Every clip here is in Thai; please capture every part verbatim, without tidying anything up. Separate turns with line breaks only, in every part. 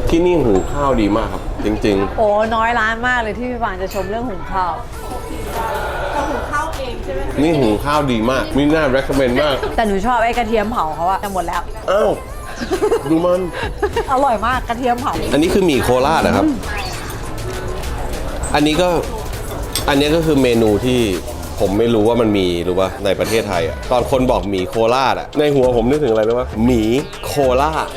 ที่นี่หุงข้าวดีมากครับจริงๆ
โอ้น้อยร้านมากเลยที่พี่ฟางจะชมเรื่องหุงข้าว
จะหุงข้าวเองใช่ไหม
นี่หุงข้าวดีมากมีน่า recommend มาก
แต่หนูชอบไอ้กระเทียมเผาเขาอะจะหมดแล้ว
อ้าวดูมัน
อร่อยมากกระเทียมเผา
อันนี้คือหมี่โคราชนะครับอันนี้ก็อันนี้ก็คือเมนูที่ผมไม่รู้ว่ามันมีหรือว่าในประเทศไทยอ่ะตอนคนบอกหมี่โคราชอ่ะในหัวผมนึกถึงอะไรรู้ป่ะหมี่โคราช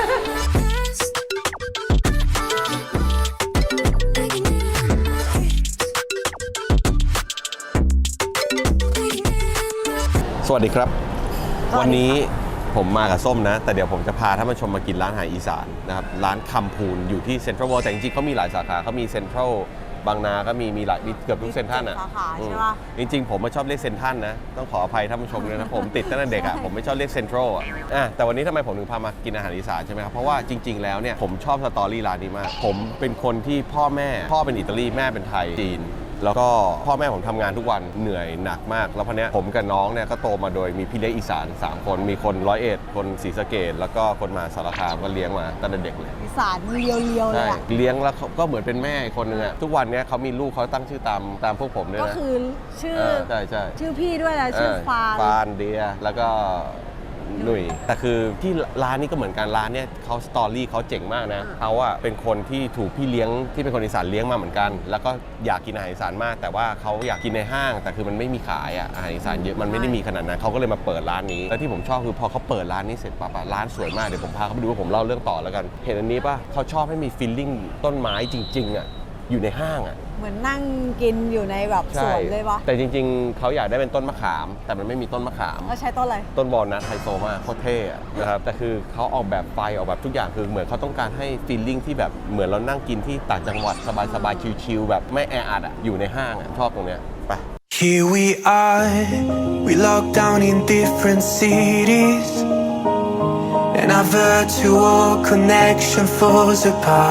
สวัสดีครับวันนี้ผมมากับส้มนะแต่เดี๋ยวผมจะพาท่านผู้ชมมากินร้านอาหารอีสานนะครับร้านคำพูนอยู่ที่เซ็นทรัลเวิลด์แต่จริงๆเขามีหลายสาขาเขามีเซ็นทรัลบางนาก็มีมีหลายมีเกือบทุกเซ็นทรัลอ่ะใช่ป่ะจริงๆผมไม่ชอบเรียกเซ็นทรัลนะต้องขออภัยท่านผู้ชมเลยนะผมติดตั้งแต่เด็กอ่ะผมไม่ชอบเรียกเซ็นทรัลอ่ะแต่วันนี้ทำไมผมถึงพามากินอาหารอีสานใช่ไหมครับเพราะว่าจริงๆแล้วเนี่ยผมชอบสตอรี่ร้านนี้มากผมเป็นคนที่พ่อแม่พ่อเป็นอิตาลีแม่เป็นไทยจีนแล้วก็พ่อแม่ผมทำงานทุกวันเหนื่อยหนักมากแล้วพอเนี้ยผมกับน้องเนี่ยก็โตมาโดยมีพี่เลี้ยงอีสานสามคนมีคนร้อยเอ็ดคนศรีสะเกษแล้วก็คนมาสารคามก็เลี้ยงมาตั้งแต่เด็กเลย
อีสานเลียวๆเลย
เลี้ยงแล้วก็เหมือนเป็นแม่คนนึงอะทุกวันนี้เขามีลูกเขาตั้งชื่อตามตามพวกผมด้วยนะ
ก็คือชื่อ
ใช่ใช่
ชื่อพี่ด้วยนะชื่อฟาน
ฟานเดียแล้วก็หนุ่ยแต่คือที่ร้านนี้ก็เหมือนกันร้านเนี่ยเขาสตอรี่เขาเจ๋งมากนะเขาอะเป็นคนที่ถูกพี่เลี้ยงที่เป็นคนอีสานเลี้ยงมาเหมือนกันแล้วก็อยากกินอาหารอีสานมากแต่ว่าเขาอยากกินในห้างแต่คือมันไม่มีขายอะอาหารอีสานเยอะมันไม่ได้มีขนาดนั้นเขาก็เลยมาเปิดร้านนี้แล้วที่ผมชอบคือพอเขาเปิดร้านนี้เสร็จปั๊บร้านสวยมากเดี๋ยวผมพาเขาไปดูว่าผมเล่าเรื่องต่อแล้วกันเห็นอันนี้ป่ะเขาชอบให้มีฟีลลิ่งต้นไม้จริงๆอะอยู่ในห้างอ่ะ
เหมือนนั่งกินอยู่ในแบบสวนเลยปะ
แต่จริงๆเขาอยากได้เป็นต้นมะขามแต่มันไม่มีต้นมะขาม
เขาใช้ต้นอะไร
ต้นบอลนะไฮโซมากโคตรเท่นะครับแต่คือเขาออกแบบไฟออกแบบทุกอย่างคือเหมือนเขาต้องการให้ฟีลลิ่งที่แบบเหมือนเรานั่งกินที่ต่างจังหวัดสบายๆชิลๆแบบไม่แออัดอ่ะอยู่ในห้างอ่ะชอบตรงเนี้ยไป
Here we are we locked down in different cities and our virtual connection falls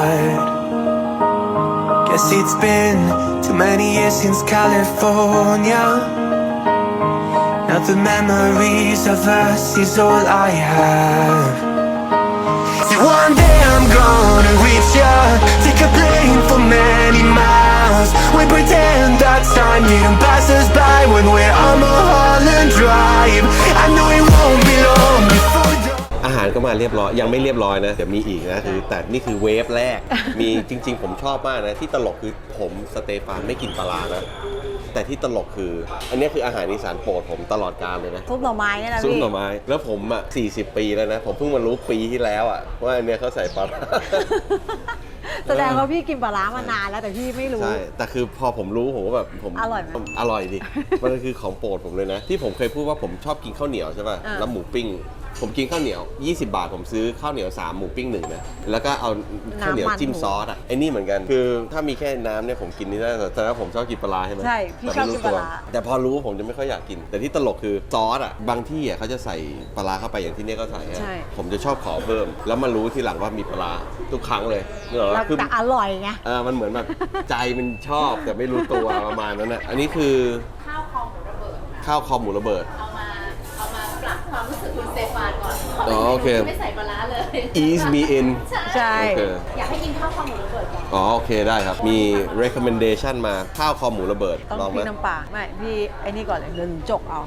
apart.Guess it's been too many years since California. Now the memories of us is all I have. So one day I'm gonna reach ya, take a plane for many miles. We pretend that time didn't pass us by when we're on Mulholland Drive. I know it won't be long before.
อาหารก็มาเรียบร้อยยังไม่เรียบร้อยนะเดี๋ยวมีอีกนะคือแต่นี่คือเวฟแรกมีจริงๆผมชอบมากนะที่ตลกคือผมสเตฟานไม่กินปลาร้านะแต่ที่ตลกคืออันนี้คืออาหารอีสานโปรดผมตลอดกาลเลยนะ
ซุปหน่อไม้เนี่ยนะพี่
ซุปหน่อไม้แล้วผมอ่ะสี่สิบปีแล้วนะผมเพิ่งมารู้ปีที่แล้วอ่ะว่าอันเนี้ยเขาใส่ปลาร้า
แสดงว่าพี่กินปลาร้ามานานแล้วแต่พี่ไม่รู้
ใช่แต่คือพอผมรู้ผมก็แบบผม
อร่อยไหม
อร่อยดิมันคือของโปรดผมเลยนะที่ผมเคยพูดว่าผมชอบกินข้าวเหนียวใช่ป่ะแล้วหมูปิ้งผมกินข้าวเหนียวยี่สิบบาทผมซื้อข้าวเหนียวสามหมูปิ้งหนึ่งนะแล้วก็เอาข้าวเหนียวจิ้มซอสอ่ะไอ้นี่เหมือนกันคือถ้ามีแค่น้ำเนี่ยผมกินนี่ได้แต่ถ้าผมชอบกินปลาใช่ไหม
ใช่พี่ชอบกินปลา
แต่พอรู้ผมจะไม่ค่อยอยากกินแต่ที่ตลกคือซอสอ่ะบางที่อ่ะเขาจะใส่ปลาเข้าไปอย่างที่นี่ก็ใส่ผมจะชอบขอเพิ่มแล้วมารู้ทีหลังว่ามีปลาทุกครั้งเลยเนอะ
คือแต่อร่อยไง
เออมันเหมือนแบบใจมันชอบแต่ไม่รู้ตัวประมาณนั้นนะอันนี้คือ
ข้าวคอหมูระเบิด
ข้าวคอหมูระเบิด
เอามาเอามาปรับความรู้สึกคุณสเตฟานก่อน
อ๋อโอเค
ไม่ใส่ปลาร้าเลย
ease me in
ใช่
อยากให้กินข้าวคอหมูระเบิดก่อน
อ๋อโอเคได้ครับมี recommendation มาข้าวคอหมูระเบิด
ต้องพี่น้ำปลาไม่พี่ไอ้นี่ก่อนเลยเดินจกเอา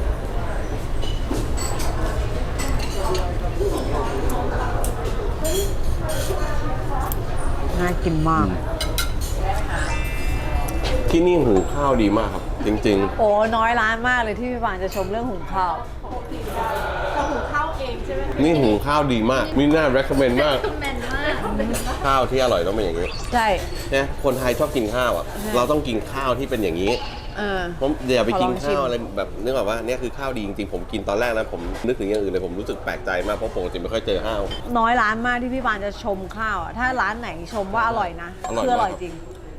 น่ากินมาก
ที่นี่หุงข้าวดีมากครับจริง
ๆโอ้น้อยร้านมากเลยที่พี่ฟางจะชมเรื่องหุงข้าว
จะหุงข้าวเองใช่ไหม
นี่หุงข้าวดีมากมีน่า recommend มาก
recommend มาก
ข้าวที่อร่อยต้องเป็นอย่างนี้
ใช่
เนี่ยคนไทยชอบกินข้าวอ่ะเราต้องกินข้าวที่เป็นอย่างนี้ผมอย่าไปกินข้าวอะไรแบบนึกออกว่าเนี่ยคือข้าวดีจริงๆผมกินตอนแรกนะผมนึกถึงอย่างอื่นเลยผมรู้สึกแปลกใจมากเพราะปกติไม่ค่อยเจอข้าว
น้อยร้านมากที่พี่ฟางจะชมข้าวถ้าร้านไหนชมว่าอร่อยนะคืออร่อยจริง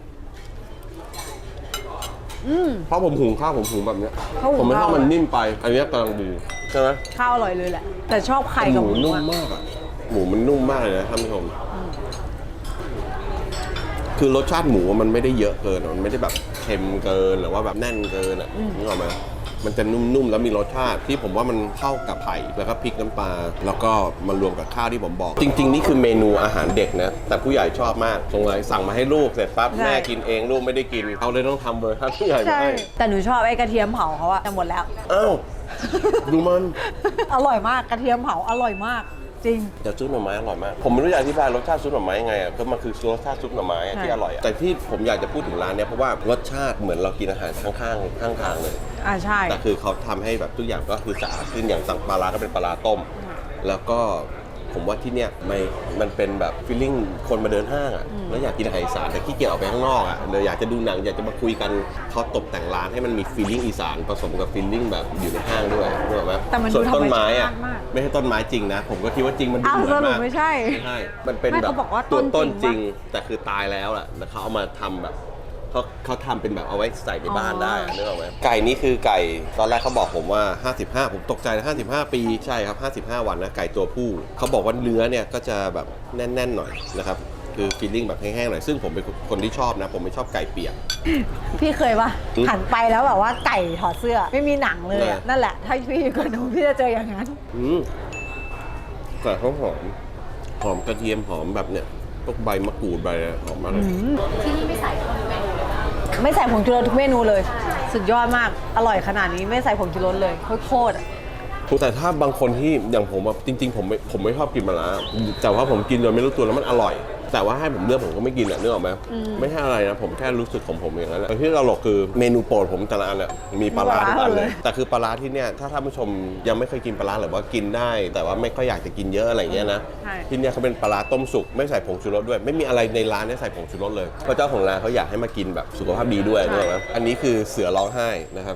เพราะผมหุงข้าวผมหุงแบบนี้ผมไม่ชอบมันนิ่มไปอันนี้กำลังดีใช่ไหม
ข้าวอร่อยเลยแหละแต่ชอบไข่กับหมู
นุ่มมากอ่ะหมูมันนุ่มมากเลยนะท่านผู้ชมคือรสชาติหมูมันไม่ได้เยอะเกินมันไม่ได้แบบเค็มเกินหรือว่าแบบแน่นเกินอ่ะนึกออกไหมมันจะนุ่มๆแล้วมีรสชาติที่ผมว่ามันเข้ากับไผ่แล้วก็พริกน้ำปลาแล้วก็มารวมกับข้าวที่ผมบอก จริงๆนี่คือเมนูอาหารเด็กนะแต่ผู้ใหญ่ชอบมากสงสัยสั่งมาให้ลูกเสร็จปั๊บแม่กินเองลูกไม่ได้กินเขาเลยต้องทำเวอร์ชันผู้ใหญ่มา
ใช่
ให้
แต่หนูชอบไอ้กระเทียมเผาเขาอะจะหมดแล้ว
อ้าวดูมัน
อร่อยมากกระเทียมเผาอร่อยมากจริง
แต่ซุปหน่อไม้อร่อยมากผมไม่รู้จะอธิบายรสชาติซุปหน่อไม้ยังไงอ่ะก็มันคือรสชาติซุปหน่อไม้อะ
ใช่
ที่อร่อยอะแต่ที่ผมอยากจะพูดถึงร้านเนี้ยเพราะว่ารสชาติเหมือนเรากินอาหารข้างๆข้างทางเลย
อ่าใช่
แต่คือเขาทำให้แบบทุกอย่างก็คือสะอาดขึ้นอย่างสั่งปลาร้าก็เป็นปลาร้าต้ม แล้วก็ผมว่าที่เนี้ยมันมันเป็นแบบฟีลลิ่งคนมาเดินห้างอ่ะแล้วอยากกินอาหารอีสานแต่ขี้เกียจออกไปข้างนอกอ่ะเลยอยากจะดูหนังอยากจะมาคุยกันเขาตกแต่งร้านให้มันมีฟีลลิ่งอีสานผสมกับฟีลลิ่งแบบอยู่ในห้างด้วยรู้ไหม
แต่มัน
ส่
ดู
วน
ธร
ต้
ร
น
ม
ไม้
ชา
อ่ะ
ติมาก
ไม่ใช่ต้นไม้จริงนะ ผมก็คิดว่าจริงมันดู
อ้าว
เหมือน
สรุป
มาก
ไม่ใช่
ไม่ใช่มันเป็น
ไม่
แบบ
เขาบอกว่า
ตัว
ต้
ต้
น
น
จ
จ
ริ
ริ
ง
ง
วะ
แต่คือตายแล้วอ่ะแล้วเขาเอามาทำแบบเขาเขาทำเป็นแบบเอาไว้ใส่ในบ้านได้อะนึกออกไหมไก่นี่คือไก่ตอนแรกเขาบอกผมว่าห้าสิบห้าผมตกใจนะห้าสิบห้าปีใช่ครับห้าสิบห้าวันนะไก่ตัวผู้เขาบอกว่าเนื้อเนี่ยก็จะแบบแน่นๆหน่อยนะครับคือฟีลลิ่งแบบแห้งๆหน่อยซึ่งผมเป็นคนที่ชอบนะผมไม่ชอบไก่เปียก
พี่เคยปะ
อืม
หันไปแล้วแบบว่าไก่ถอดเสื้อไม่มีหนังเลยอะ
เออ
นั่นแหละถ้าพี่อยู่กับหนูพี่จะเจออย่างนั้น
อืมไก่เขาหอมหอมกระเทียมหอมแบบเนี่ยพวกใบมะกรูดใบอะไรหอมมากเลย
ที่นี่ไม่ใส่ทุกเมนูเลยนะ
ไม่ใส่ผงชูรสทุกเมนูเลย สุดยอดมากอร่อยขนาดนี้ไม่ใส่ผงชูรสเลยโคตรๆอะ
แต่ถ้าบางคนที่อย่างผมแบบจริง ๆ ผมไม่ผมไม่ชอบกินมะระแต่ว่าผมกินโดยไม่รู้ตัวแล้วมันอร่อย แต่ว่าให้ผมเลือกผมก็ไม่กินอ่ะนึกออกไหมไม่ใช่อะไรนะผมแค่รู้สึกของผมอย่างนั้นแหละแต่ที่ตลกคือเมนูโปรดผมแต่ละอันอ่ะมีปลาร้าทุกอันเลย แต่คือปลาร้าที่เนี่ยถ้าท่านผู้ชมยังไม่เคยกินปลาร้าหรือว่ากินได้ แต่ว่าไม่ค่อยอยากจะกินเยอะอะไรเงี้ยนะ
ใช่
ที่เนี่ยเขาเป็นปลาร้าต้มสุกไม่ใส่ผงชูรสด้วย ไม่มีอะไรในร้านเนี่ยใส่ผงชูรสเลยเพราะเจ้าของร้านเขาอยากให้มากินแบบสุขภาพดีด้วยนึกออกไหมอันนี้คือเสือร้องไห้นะครับ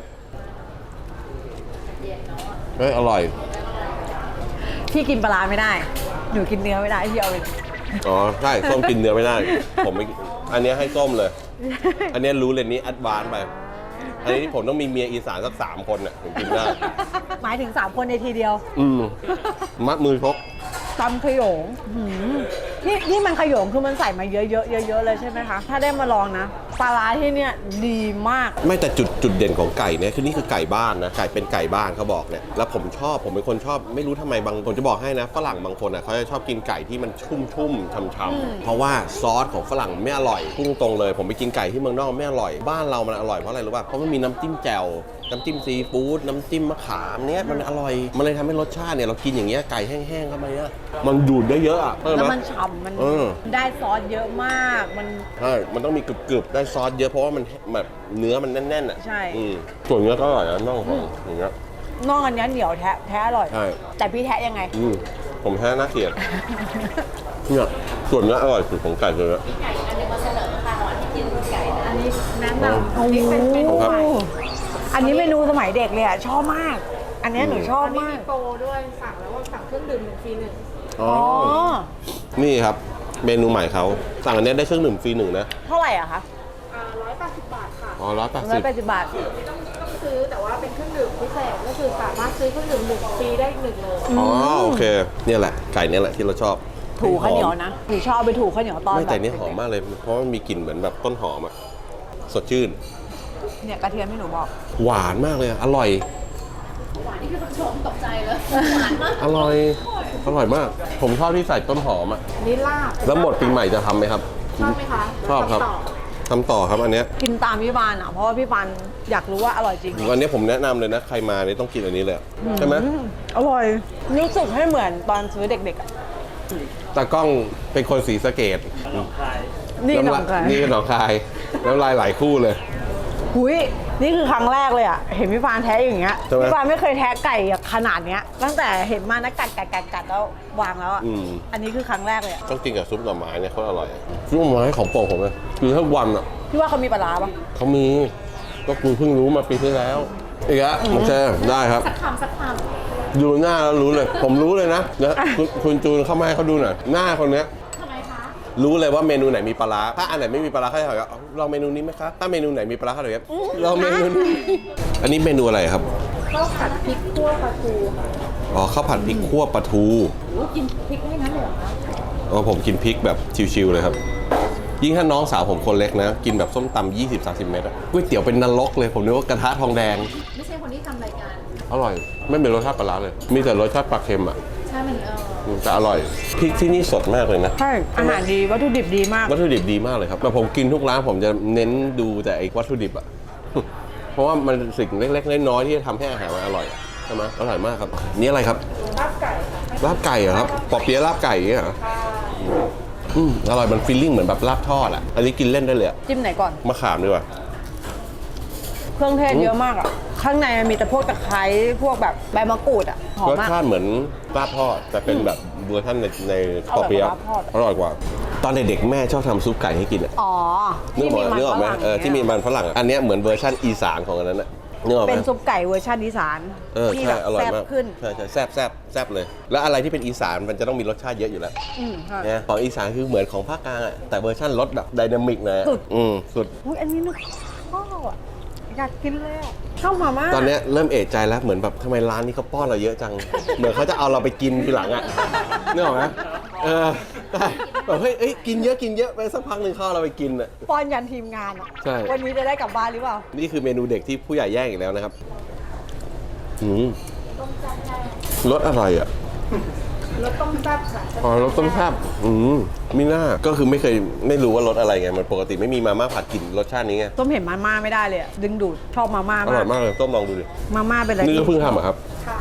เฮ้ยอร่อย
พี่กินปลาร้าไม่ได้ หนูกินเนื้อไม่ได้พี่เอาไป
อ๋อใช่ส้มกินเนื้อไม่ได้ ผมไม่อันเนี้ยให้ส้มเลย อันเนี้ยรู้เลยนี้แอดวานซ์ไป อันนี้ผมต้องมีเมียอีสานสักสามคนน่ะถึงกินได้
หมายถึงสามคนในทีเดียว
อืมมัดมือชก
ตำขยงหืมนี่นี่มันขยงคือมันใส่มาเยอะๆเยอะๆเลยใช่ไหมคะ ถ้าได้มาลองนะปลาร้าที่เนี่ยดีมาก
ไม่แต่จุดจุดเด่นของไก่เนี่ยคือนี่คือไก่บ้านนะไก่เป็นไก่บ้านเขาบอกเนี่ยแล้วผมชอบผมเป็นคนชอบไม่รู้ทำไมบางผมจะบอกให้นะฝรั่งบางคนอ่ะเขาจะชอบกินไก่ที่มันชุ่มชุ่มๆช่ำๆเพราะว่าซอสของฝรั่งไม่อร่อยพุ่งตรงเลย ผมไปกินไก่ที่เมืองนอกไม่อร่อยบ้านเรามันอร่อยเพราะอะไรรู้ป่ะเพราะมันมีน้ำจิ้มแจ่วน้ำจิ้มซีฟู้ดน้ำจิ้มมะขามเนี้ยมันอร่อยมันเลยทำให้รสชาติเนี่ยเรากินอย่างเงี้ยไก่แห้งๆเข้าไปเนี่ยมันดูดได้เยอะอ่ะเออ
แล้ว
ไห
มันฉ่ำมัน
เออ
ได้ซอสเยอะมาก มัน
ใช่ มันต้องมีกรึบๆ ได้ซอสเยอะเพราะว่ามันแบบเนื้อมันแน่นๆอ่ะ
ใช่
อืมส่วนเนื้อก็อร่อยนะน่องของอย่างเงี้ย
นอกอันเนี้ยเหนียวแท้แท้อร่อย
ใช่
แต่พี่แท้ยังไง
อืมผมแท้น่าเกลียดเนี่ยส่วนเนื้ออร่อยสุดของไก่เลยนะ
ไก่อันนึงมาเสนอค่ะก่อนที่กินไก่นะอันนี้แนะ
อ๋อ
นำอันนี้เป็นเมนู
ครับ
ใหม่
อันนี้เมนูสมัยเด็กเลยอ่ะ ชอบมาก อันเนี้ยหนูชอบ
อันนี้
มาก
มีโปรด้วยสั่งแล้วว่าสั่งเครื่องดื่มหนึ่งฟรีหนึ่ง
อ๋อ
อ๋อ
นี่ครับ เมนูใหม่เขาสั่งอันเนี้ยได้เครื่องดื่มฟรีหนึ่งนะ
เท่าไหร่อะคะ
อ่าร้อยแปดสิบบาทค่ะ
อ๋อร้อยแปด
ร้
สิ
อบ ยแปดสิบบาท
ไม่ต้องต้องซื้อแต่ว่าเป็นเครื่องดื่มพิเศษก็คือสามารถซื้อเครื่องดื่มหนึ่งฟรีได้อีกหนึ่งเลย
อ๋อโอเค เนี่ยแหละ ไก่เนี่ยแหละที่เราชอบ
ถูข้าวเหนียว
หอม
นะหนูชอบไปถูข้าวเหนียวตอน
ไม่
แบบ
แต่เนี้ยหอมมากเลย เพราะมันมีกลิ่นเหมือนแบบต้นหอมอ่ะ สดชื่น
เนี่ยกระเทียมที่หนูบอก
หวานมากเลยอะอร่อย
หวานนี่คือคุณผู้ชมตกใจเลยหวานมาก
อร่อย อร่อยมาก ผมชอบที่ใส่ต้นหอมอ่ะ
อันนี้ลาบ
แล้วหมดปีใหม่จะทำไหมครับ
ชอบไหมคะ
ชอบครับ
ต่อ
ทำต่อครับอันเนี้ย
กินตามพี่บานอ่ะ เพราะว่าพี่บานอยากรู้ว่าอร่อยจริง
อันเนี้ยผมแนะนำเลยนะ ใครมาเนี่ยต้องกินอันนี้เลยอะใช่ไหม
อืมอร่อย รู้สึกให้เหมือนตอนซื้อเด็กๆอ่ะ
ตากล้องเป็นคนศรีสะเกษ
นี่หนอง
ำล
คาย
นี่คือหนองคายน้ำลายไหลคู่เลย
หุยนี่คือครั้งแรกเลยอ่ะ เห็นพี่ฟานแท้อย่างเงี้ย
ใช่ไหม
พี่ฟานไม่เคยแท้ไก่ขนาดเนี้ย ตั้งแต่เห็นมานะกัดกัดกัดกัดแล้ววางแล้วอ่ะ
อืม
อันนี้คือครั้งแรกเลยอ่ะ
ต้องกินกับซุปหน่อไม้เนี่ยเขาอร่อยซุปหน่อไม้ของโปรดผมเลยคือทั้งวันอ่ะ
พี่ว่าเขามีปลาร้าปะ
เขามีก็กูเพิ่งรู้มาปีที่แล้วอีกแล้วโอเคได้ครับ
สักคำสักค
ดูหน้าแล้วรู้เลย ผมรู้เลยนะนะคุณคุณจูนเข้ามาให้เขาดูหน่อยหน้าคนเนี้ย
ำทำไมคะ
รู้เลยว่าเมนูไหนมีปลาร้าถ้าอันไหนไม่มีปลาร้าเขาจะถามว่าลองเมนูนี้ไหมคะถ้าเมนูไหนมีปลาร้าเขาจะแบบลองเมนูนี้อันนี้เมนูอะไรครับ
ข้าวผัดพริกคั่วปลาทูค่ะ
อ๋อข้าวผัดพริกคั่วปลาทู
โอ้กินพริกให้นั้นเลยเหรอคะ
อ๋อผมกินพริกแบบชิวๆเลยครับ ยิ่งถ้าน้องสาวผมคนเล็กนะ กินแบบส้มตำยี่สิบ สามสิบเม็ดอะก๋วยเตี๋ยวเป็นนรกเลยผมนึกว่ากระทะทองแดง
ไม่ใช่คนที่ทำ
อร่อยไม่มีรสชาติปลาร้าเลย มีแต่รสชาติปลาเค็มอ่ะ
ใช่มันเออ
อืมแต่อร่อยพริกที่นี่สดมากเลยนะ
ใช่อาหารดีวัตถุดิบดีมาก
วัตถุดิบดีมากเลยครับแต่ผมกินทุกร้านผมจะเน้นดูแต่ไอ้วัตถุดิบอ่ะ เพราะว่ามันสิ่งเล็กๆน้อยๆที่จะทำให้อาหารมันอร่อยอะใช่ไหมอร่อยมากครับนี่อะไรครับ
ลาบไก่ค่ะ
ลาบไก่เหรอครับปอเปี๊ยะลาบไก่อย่างเงี้ยเหรออืมอร่อยมันฟีลลิ่งเหมือนแบบลาบทอดอ่ะอันนี้กินเล่นได้เลยอะ
จิ้มไหนก่อน
มะขามดีกว่า
เครื่องเทศเยอะมากอ่ะ ข้างในมันมีแต่พวกตะไคร้พวกแบบใบมะกรูดอ่ะ หอม
รส
มาก
ชาติเหมือนลาบทอดแต่เป็นแบบเวอร์ชันในในปอเปี๊ยะ
อร่อยกว่าลาบทอด
อร่อยกว่า ตอนเด็กๆแม่ชอบทำซุปไก่ให้กินอ่ะ
อ๋อ
นึก
ที่
ออก
มีมัน
นึกออกไหม
ฝรั่ง
เออที่มีมันฝรั่งอะอันเนี้ยเหมือนเวอร์ชันอีสานของอันนั้นอะนึกออกไหม
เป็นซุปไก่เวอร์ชันอีสาน
เออ
ที่
ใช่
แบบ
อร่อย
แซ่บ
มาก
ขึ้น
ใช่ใช่แซ่บแซ่บแซ่บเลย แล้วอะไรที่เป็นอีสานมันจะต้องมีรสชาติเยอะอยู่แล้ว
อืมใช่
นะของอีสานคือเหมือนของภาคกลางอะแต่เวอร์ชันรสแบบไดนามิกหนะ
สุด
อืมสุด
อุ๊ยอันนี้นึกข้าวอ่ะอยากกินเลยอ่ะข้าวมาม่า
ตอนเนี้ยเริ่มเอะใจแล้วเหมือนแบบทำไมร้านนี้เขาป้อนเราเยอะจัง เหมือนเขาจะเอาเราไปกินทีหลังอะนึกออกไหมเออใช่แบบเฮ้ยเอ้ยกินเยอะกินเยอะไปสักพักหนึ่งเข้าเราไปกินอะ
ป้อนยันทีมงานอ่ะ
ใช่
วันนี้จะได้กลับบ้านหรือเปล่า
นี่คือเมนูเด็กที่ผู้ใหญ่แย่งอีกแล้วนะครับอืมรสอะไรอ่ะ
รสต้มแซ่บค่ะ
อ๋อรสต้มแซ่บอืมมีหน้าก็คือไม่เคยไม่รู้ว่ารสอะไรไงมันปกติไม่มีมาม่าผัดกลิ่นรสชาตินี้ไง
ต้มเห็นมาม่าไม่ได้เลยอะดึงดูดชอบมาม่า
อร่
มา
อก ยมากเลยต้มลองดูดิ
มาม่าเป็นอะไร
นี่ก็
ที่
เพิ่งทำอะครับ
ค่ะ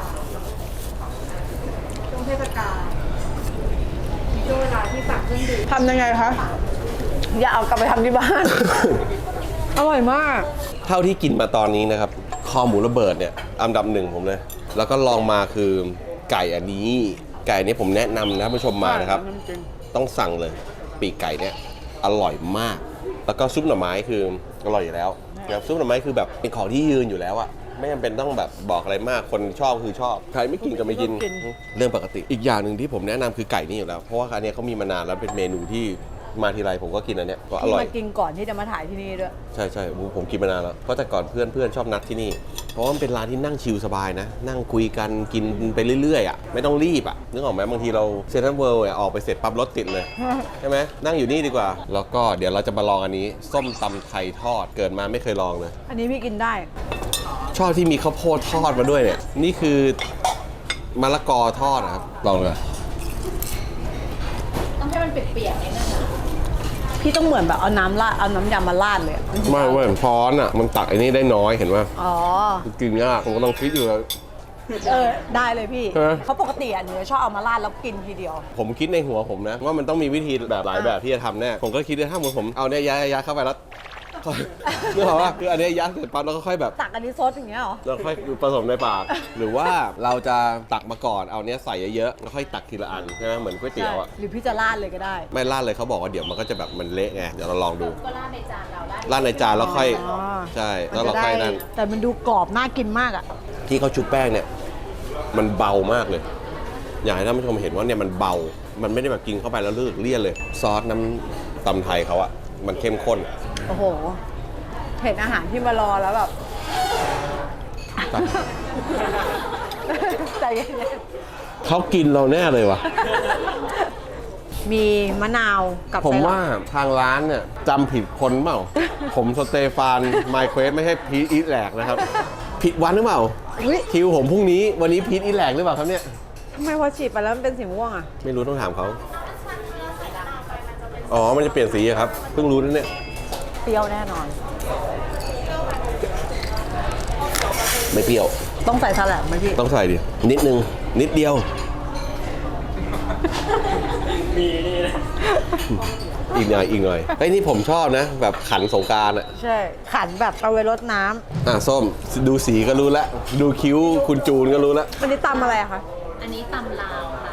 ช่วงเทศกาลมีช่วงเวลาที่สั่งเครื่องดื่ม
ทำยังไงคะอย่าเอากลับไปทำที่บ้าน อร่อยมาก
เท่าที่กินมาตอนนี้นะครับคอหมูระเบิดเนี่ยอันดับหนึ่งผมเลย แล้วก็ลองมาคือไก่อันนี้ ไก่นี้ผมแนะนำนะผู้ชมมานะครับ ต้องสั่งเลย ปีกไก่เนี่ยอร่อยมาก แล้วก็ซุปหน่อไม้คืออร่อยอยู่แล้วนะครับซุปหน่อไม้คือแบบเป็นของที่ยืนอยู่แล้วอะไม่จำเป็นต้องแบบบอกอะไรมากคนชอบคือชอบใครไม่กินก็ไม่กิน
กิน
เรื่องปกติอีกอย่างหนึ่งที่ผมแนะนำคือไก่นี่อยู่แล้วเพราะว่าอันเนี้ยเขามีมานานแล้วเป็นเมนูที่มาทีไรผมก็กินอันเนี้ยก็อ
ที่
ร่อย
มากินก่อนที่จะมาถ่ายที่นี่ด้วย
ใช่ใช่ผมผมกินมานานแล้วเพราะแต่ก่อนเพื่อนเพื่อนชอบนัดที่นี่ เพราะว่ามันเป็นร้านที่นั่งชิลสบายนะ นั่งคุยกันกินไปเรื่อยๆอ่ะไม่ต้องรีบอ่ะนึกออกไหมบางทีเราเซ็นทรัลเวิลด์ออกไปเสร็จปั๊บรถติดเลย ใช่ไหมนั่งอยู่นี่ดีกว่า แล้วก็เดี๋ยวเราจะมาลองอันนี้ ส้มตำไทยทอดเกิดมาไม่เคยลองเลย
อันนี้พี่กินได้
ชอบที่มีข้าวโพดทอดมาด้วยเนี่ยนี่คือมะละกอทอดนะครับลองเลย
ต้องให้มันเปียกๆนิดนึงนะ
พี่ต้องเหมือนแบบเอาน้ำราดเอาน้ำยำมาราดเลยอะ
ไม่เว้ยช้อนอ่ะมันตักไอ้นี่ได้น้อยเห็นว่า
อ๋อ
กินยากผมก็ต้องคิดอยู่แล้ว
เออได้เลยพี่
ฮะ
เพราะปกติอ่ะหนูจะชอบเอามาราดแล้วกินทีเดียว
ผมคิดในหัวผมนะว่ามันต้องมีวิธีแบบหลายแบบที่จะทำแน่ผมก็คิดว่าถ้าเหมือนผมเอาเนี่ยยัดยัดเข้าไปแล้ว นึกออกว่าคืออันเนี้ยยัดเสร็จปั๊บแล้วก็ค่อยแบบ
ตักอันนี้ซดอย่างเงี้ยเหรอ
แล้วค่อยผสมในปาก หรือว่าเราจะตักมาก่อนเอาเนี้ยใส่เยอะๆแล้วค่อยตักทีละอันใช่ไหมเหมือนก๋วยเตี๋ยวอ่ะ
หรือพี่จะราดเลยก็ได้
ไม่ราดเลยเขาบอกว่าเดี๋ยวมันก็จะแบบมันเละไงเดี๋ยวเราลองดู
ก็ราดในจานเราได้
ราดในจานแล้วค่อย
อ๋อ
ใช่
มั
แล้ว
น
เรา
จะได้
ค่อยนั่น
แต่มันดูกรอบน่ากินมากอ่ะ
ที่เขาชุบแป้งเนี่ยมันเบามากเลย อยากให้ท่านผู้ชมเห็นว่าเนี่ยมันเบา มันไม่ได้แบบกินเข้าไปแล้วเลือกเลี่ยนเลย ซอสน้ำตำไทยเขาอะมันเข้มข้น
โอ้โห เห็นอาหารที่มารอแล้วแบบ ใจเย็น
เขากินเราแน่เลยวะ
ๆมีมะนาวกับ
ผม
ไส้หลั
ว่าทางร้านเนี่ยจำผิดคนเปล่า ผมสเตฟานไมเควสไม่ใช่พีทอีทแหลกนะครับ ผิดวันหรือเปล่า
อุ๊ย
คิวผมพรุ่งนี้วันนี้พีทอีทแหลกหรือเปล่าครับเนี่ย
ทำไมพอฉีดไปแล้วมันเป็นสีม่วงอ่ะ
ไม่รู้ต้องถามเขา อ๋อ มันจะเปลี่ยนสีอะครับ เพิ่งรู้นั่นเนี่ย
เปรี้ยวแน่นอน
ไม่เปรี้ยว
ต้องใส่สลัดไหมพี่
ต้องใส่ดิ นิดนึง นิดเดียว อีกหน่อย อีกหน่อยไอ้ยนี่ผมชอบนะ แบบขันสงกรารอะ
ใช่ ขันแบบเอาไว้รดน้ำ
อ่ะ ส้ม ดูสีก็รู้แล้ว ดูคิ้วคุณจูนก็รู้แล้ว
วันนี้ตำอะไรอะคะ
อันนี้ตำลาวค่ะ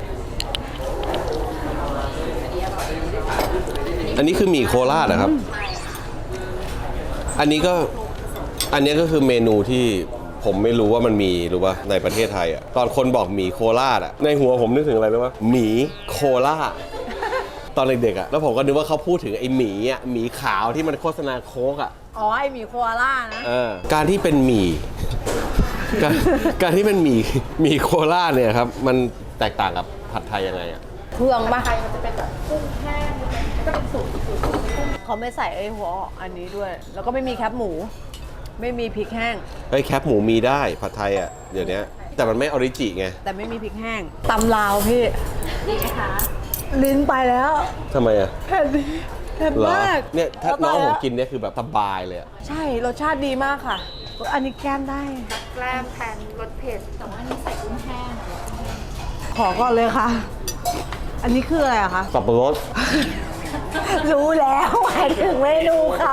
อันนี้คือหมี่โคราชนะครับ อันนี้ก็ อันนี้ก็คือเมนูที่ผมไม่รู้ว่ามันมีหรือว่าในประเทศไทยอ่ะ ตอนคนบอกหมี่โคราชอ่ะ ในหัวผมนึกถึงอะไรรู้ป่ะหมี่โคราช ตอนเด็กๆอ่ะ แล้วผมก็นึกว่าเขาพูดถึงไอ้หมี่อ่ะ หมี่ขาวที่มันโฆษณาโค้กอ่ะ
อ๋อ ไอหมี่โคอาล่านะ
เออ การที่เป็นหมี่ การการที่เป็นหมี่หมี่โคราชเนี่ยครับ มันแตกต่างกับผัดไทยยังไงอ่ะ
เครื่องปะ
ไทยมันจะเป็นแบบกุ้งแห้งก็เป็นสูตรสูตรกุ้ง
เขาไม่ใส่ไอหัวอันนี้ด้วย แล้วก็ไม่มีแคบหมูไม่มีพริกแห้ง
เฮ้ยแคปหมูมีได้ผัดไทยอ่ะเดี๋ยวนี้แต่มันไม่ออริจิไง
แต่ไม่มีพริกแห้งตำลาวพี่
ดีไหมคะ
ลิ้นไปแล้ว
ทำไมอ่ะ
เผ็ดเผ็ด
เหรอ
มาก
เนี่ยถ้าน้อง
เา
ผ
ไป
ม
แล้ว
กินเนี่ยคือแบบสบายเลยอะ
ใช่รสชาติดีมากค่ะ อันนี้แก้มได้
แกล้มแทนรสเผ็ดแต่ว่าอันนี้ใส่กุ้งแห้ง
ขอก่อนเลยค่ะ อันนี้คืออะไรอะคะ
สับปะรด
รู้แล้วหมายถึงเมนูเขา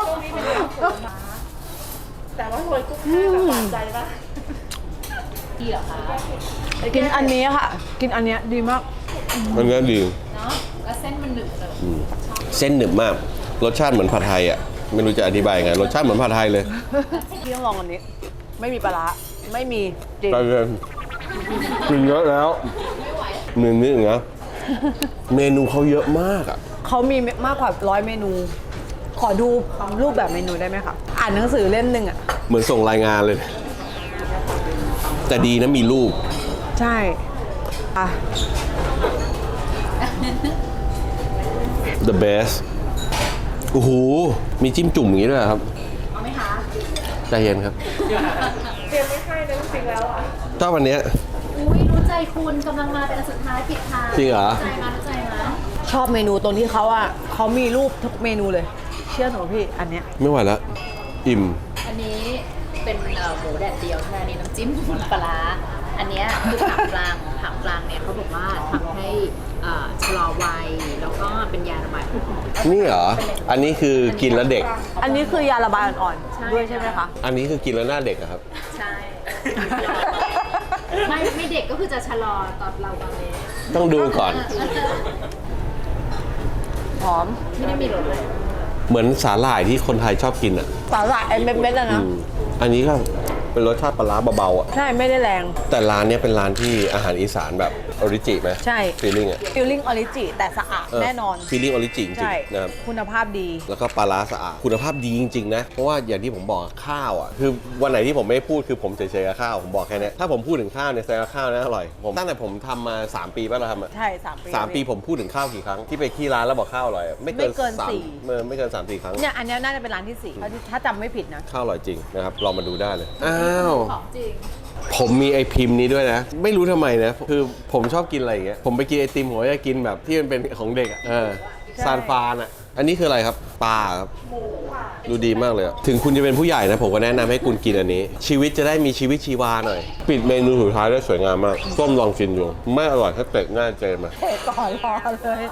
แต่ว่าโรยกุ้งแห้งแบบหวานใจปะดีเหรอคะ
กินอันนี้ค่ะ กินอันเนี้ยดีมาก
มันก็ดี
เนาะแล้วเส้นมันหนึบเลย
อืมเส้นหนึบมาก รสชาติเหมือนผัดไทยอ่ะไม่รู้จะอธิบายไงรสชาติเหมือนผัดไทยเลย
พี่ต้องลองอันนี้ ไม่มีปลาร้าไม่มีจริง
ไปเลยกินเยอะแล้วเมนูอย่างเงี้ยเมนูเขาเยอะมากอ่ะ
เขามีมากกว่าร้อยเมนู ขอดูรูปแบบเมนูได้ไหมคะ อ่านหนังสือเล่มหนึ่งอะ
เหมือนส่งรายงานเลย แต่ดีนะมีรูป
ใช่อ่ะ
the best โอ้โหมีจิ้มจุ่มอย่างนี้ด้วยเหรอครับ
เอาไหมคะ
ใจเย็นครับ
เตรียมไม่ให้เลยจริงๆแล้วอ่ะ
ถ้าวันเนี้ย
อุ้ยรู้ใจคุณกำลังมาเป็นอันสุดท้ายปิดท้าย
จริงเหรอ
ใจมารู้ใจมา
ชอบเมนูตรงที่เขาอะเขามีรูปทุกเมนูเลย เชื่อหนูพี่ อันเนี้ย
ไม่ไหวแล้ว อิ่ม
อันนี้เป็นเอ่อหมูแดดเดียวใช่ไหมอันนี้น้ำจิ้มปลาร้าอันเนี้ยคือผักกลางผักกลางเนี่ยเขาบอกว่าทำให้เอ่อชะลอวัยแล้วก็เป็นยาระบายออก
นี่เหรอ อันนี้คือกินแล้วเด็ก
อันนี้คือยาระบายอ่อนๆ ด้วยใช่ไหมคะ
อันนี้คือกินแล้วหน้าเด็กอะครับ
ใช่ ไม่ไม่เด็กก็คือจะชะลอตอนเราบางเล
ต้องดูก่อน
หอม
ไม่ได้มีรสเลย
เหมือนสาหร่ายที่คนไทยชอบกินอ่ะ
สาหร่ายไอ้เม็ดๆอะ
อื
นะ
มอันนี้ก็เป็นรสชาติปลาร้าเบาๆอ่ะ
ใช่ ไม่ได้แรง
แต่ร้านเนี้ยเป็นร้านที่อาหารอีสานแบบออริจิไหม
ใช่
ฟีลลิ่งอ่ะ
ฟิลลิ่งออริจิแต่สะอาดแน่นอน
ฟีลลิ่งออริจิจริง
ใช่
ๆนะครับ
คุณภาพดี
แล้วก็ปลาร้าสะอาด คุณภาพดีจริงๆนะ เพราะว่าอย่างที่ผมบอกข้าวอ่ะ คือวันไหนที่ผมไม่พูดคือผมเฉยๆกับข้าว ผมบอกแค่เนี้ยถ้าผมพูดถึงข้าวเนี่ยแสดงว่าข้าวนะอร่อย ผมตั้งแต่ผมทำมาสามปีป่ะเราทำอ่ะ
ใช่สามปี
สามปีผมพูดถึงข้าวกี่ครั้งที่ไปที่ร้านแล้วบอกข้าวอร่อยอะไม่เกิน
ไม่เกิน
สาม
สี่
เออไม่เกินสามสี่ครั้ง
เนี่ยอันเนี้ยน่าจะเป็นร้านที่สี่ถ้าจำไม่ผิดนะ
ข้าวอร่อยจริงนะครับลองมาดูได้เลย อ้าว
ของจริง
ผมมีไอพิมพ์นี้ด้วยนะ ไม่รู้ทำไมนะ คือผมชอบกินอะไรอย่างเงี้ย ผมไปกินไอติมผมก็จะกินแบบที่มันเป็นของเด็กอ่ะ เออ
ใช่
ซานฟานอ่ะ อันนี้คืออะไรครับ ปลาครับ ดูดีมากเลยอะถึงคุณจะเป็นผู้ใหญ่นะ ผมก็แนะนำให้คุณกินอันนี้ ชีวิตจะได้มีชีวิตชีวาหน่อย ปิดเมนูสุดท้ายได้สวยงามมาก ส้มลองกินดู ไม่อร่อยถ้าเตะหน้าเจมา
เผ็ดก่อนรอเลย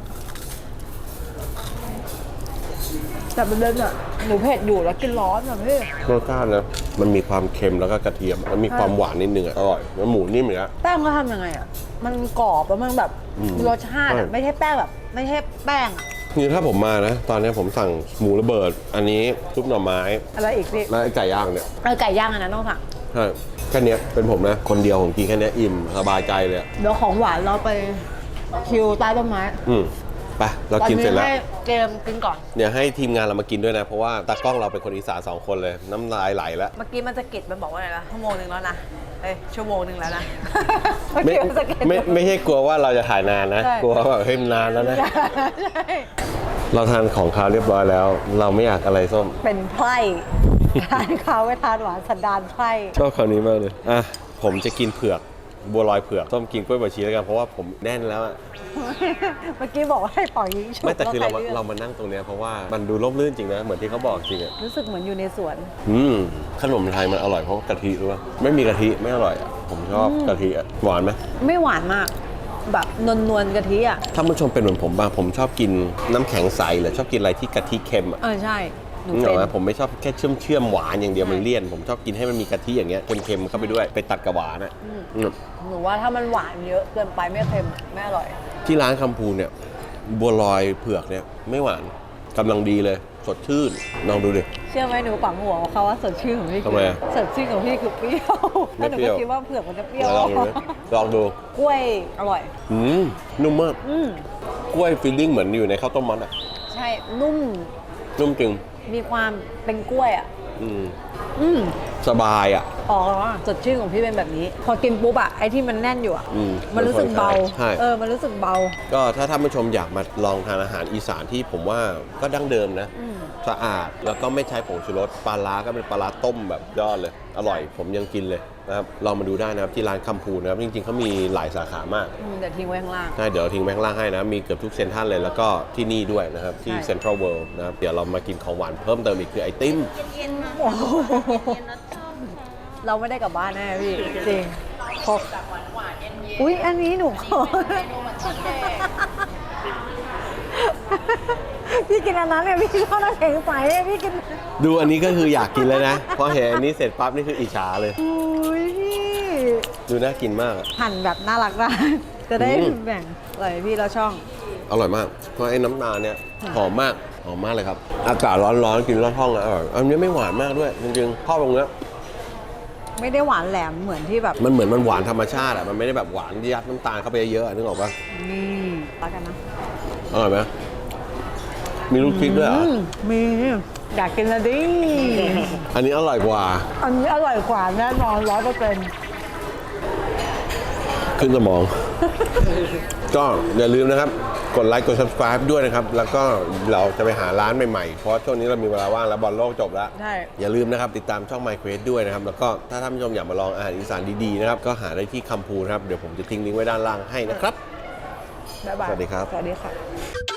แต่ประเด็นอะหนูเผ็ดอยู่แล้วกินร้อนอะพี่
รสชาตินะ มันมีความเค็มแล้วก็กระเทียม มันมีความหวานนิดนึงอะอร่อย แล้วหมูนิ่มอย่างเงี้ย
แป้งก็ทำยังไงอะมันกรอบแล้วมันแบบ
อืม
รสชาติอะ
ใช่
ไม่ใช่แป้งแบบ ไม่ใช่แป้งอะ
นี่ถ้าผมมานะ ตอนนี้ผมสั่งหมูระเบิด อันนี้ซุปหน่อไม้
อะไรอีกพี่
และไอ้ไก่ย่างเนี่ย
เออไก่ย่างอันนั้นต้องสั่ง
ใช่แค่เนี้ยเป็นผมนะ คนเดียวผมกินแค่เนี้ยอิ่มสบายใจเลยอะ
เดี๋ยวของหวานเราไปคิวใต้ต้นไม้
อืมไปเรากินเสร็จแล้ว
ให้เกมกินก่อน
เดี๋ยวให้ทีมงานเรามากินด้วยนะ เพราะว่าตากล้องเราเป็นคนอีสานสองคนเลย น้ำลายไหลแล้ว
เมื่อกี้มันจะกิดมันบอกว่าอะไรนะชั่วโมงหนึ่งแล้วนะเอ้ยชั่วโมงหนึ่งแล้วนะ เมื่อ
ไม่
กี้มันจะกิด
ไม่ไม่ใช่กลัวว่าเราจะถ่ายนานนะ
ใช่
กลัวว่าแบบเฮ้ยมันนานแล้วนะ
ใช่
เราทานของคาวเรียบร้อยแล้ว เราไม่อยากอะไรส้ม
เป็นไพร่ทานข้าวไม่ทานหวานสันดานไพร่
ชอบคำนี้มากเลย อ่ะ ผมจะกินเผือก บัวลอยเผือกส้มกินกล้วยบวชชีแล้วกัน เพราะว่าผมแน่นแล้วอะ
เมื่อกี้บอกว่าให้ปล่อยยิงฉุบ
ไม่แต่คือเรา
ล้วใลือก
เรามานั่งตรงเนี้ยเพราะว่ามันดูร่มรื่นจริงนะ เหมือนที่เขาบอกจริงอะ
รู้สึกเหมือนอยู่ในสวน
อืมขนมไทยมันอร่อยเพราะกะทิรู้ป่ะไม่มีกะทิไม่อร่อยอ่ะผมชอบกะทิอ่ะหวานไหม
ไม่หวานมาก แบบนวลนวลๆกะทิอ่ะ
ถ้าผู้ชมเป็นเหมือนผมบ้างผมชอบกินน้ำแข็งใสหรือชอบกินอะไรที่กะทิเค็มอ่ะ
เออใช่ หนู
นึกอ
เป็
อก
น
ไหมผมไม่ชอบแค่เชื่อมเชื่อมๆหวานอย่างเดียวมันเลี่ยน ผมชอบกินให้มันมีกะทิอย่างเงี้ยเค็มๆเข้าไปด้วยไปตัดกับหวานอ่ะอืม
หนูว่าถ้ามันหวานเยอะเกินไปไม่เค็มอะไม่อร่อย
ที่ร้านคำพูเนี่ยบัวลอยเผือกเนี่ยไม่หวานกำลังดีเลยสดชื่นลองดูดิ
เชื่อไหมหนูปังหัวเขาว่าสดชื่นของพี่
ทำไมอะ
สดชื่นของพี่คือเปรี้ยว
ไม่
แล้วหนู
เปรี้
ก็
ยว
คิดว่าเผือกมันจะเปรี้ยว
ลองดูดิลองดู
กล้วยอร่อย
อืมนุ่มมาก
อืม
กล้วยฟีลลิ่งเหมือนอยู่ในข้าวต้มมัดอ่ะ
ใช่ นุ่ม
นุ่มจริง
มีความเป็นกล้วยอ่ะ
อืม
อืม
สบายอ่ะ
อ๋อสดชื่นของพี่เป็นแบบนี้ พอกินปุ๊บอะไอ้ที่มันแน่นอยู่อะ
อืม
มันรู้สึกเบา
ใช่
เออมันรู้สึกเบา
ก็ถ้าท่านผู้ชมอยากมาลองทานอาหารอีสานที่ผมว่าก็ดั้งเดิมนะ
อืม
สะอาดแล้วก็ไม่ใช้ผงชูรสปลาร้าก็เป็นปลาร้าต้มแบบยอดเลย อร่อยผมยังกินเลยนะครับลองมาดูได้นะครับที่ร้านคำพูนนะครับจริงๆเขามีหลายสาขามาก
อืมเดี๋ยวทิ้งไว้ข้างล่าง
ใช่เดี๋ยวทิ้งแบงค์ล่างให้นะ มีเกือบทุกเซ็นทรัลเลยแล้วก็ที่นี่ด้วยนะครับที่
ใช่
เซ็นทรัลเวิลด์นะครับเดี๋ยวเรามากินของหวานเพิ่มเติมอีกคือไอติม
โอ้โหเราไม่ได้กลับบ้านแน่พี่ จริงพกอุ๊ย อันนี้หนูขอพี่กินอันนั้นเนี่ยพี่ชอบน้ำแข็งใสเนี่ยพี่กิน
ดูอันนี้ก็คืออยากกินเลยนะพอเห็นอันนี้เสร็จปั๊บนี่คืออิจฉาเลย
อุ้ยพี่
ดูน่ากินมากอะ
หั่นแบบน่ารักได้จะได้
อืม
แบ่งอร่อยพี่เราช่อง
อร่อยมากเพราะไอ้น้ำตาลเนี่ยหอมมากหอมมากเลยครับอากาศร้อนๆกินร้อนห้องแล้วอร่อยอันนี้ไม่หวานมากด้วยจริงๆข้าวตรงเนี้ย
ไม่ได้หวานแหลมเหมือนที่แบบ
มันเหมือนมันหวานธรรมชาติอะมันไม่ได้แบบหวานยัดน้ำตาลเข้าไปเยอะๆอะนึกออกปะ
นี่รักกันนะ
อร่อยไหมมีลูกชิดด้วยเหรอ
อืมมีอยากกินแล้วดิ
อันนี้อร่อยกว่า
อันนี้อร่อยกว่าแน่นอนร้อยเปอร์เซ็นต์
ขึ้นสมอง ก็อย่าลืมนะครับ กดไลค์กด subscribe ด้วยนะครับ แล้วก็เราจะไปหาร้านใหม่ๆ เพราะช่วงนี้เรามีเวลาว่างแล้วบอลโลกจบแล้ว
ใช่
อย่าลืมนะครับ ติดตามช่อง My Quest ด้วยนะครับ แล้วก็ถ้าท่านผู้ชมอยากมาลองอาหารอีสานดีๆนะครับ ก็หาได้ที่คำพูนะครับ เดี๋ยวผมจะทิ้งลิงก์ไว้ด้านล่างให้นะครับ
บ๊ายบาย
สวัสดีครับ
สวัสดีค่ะ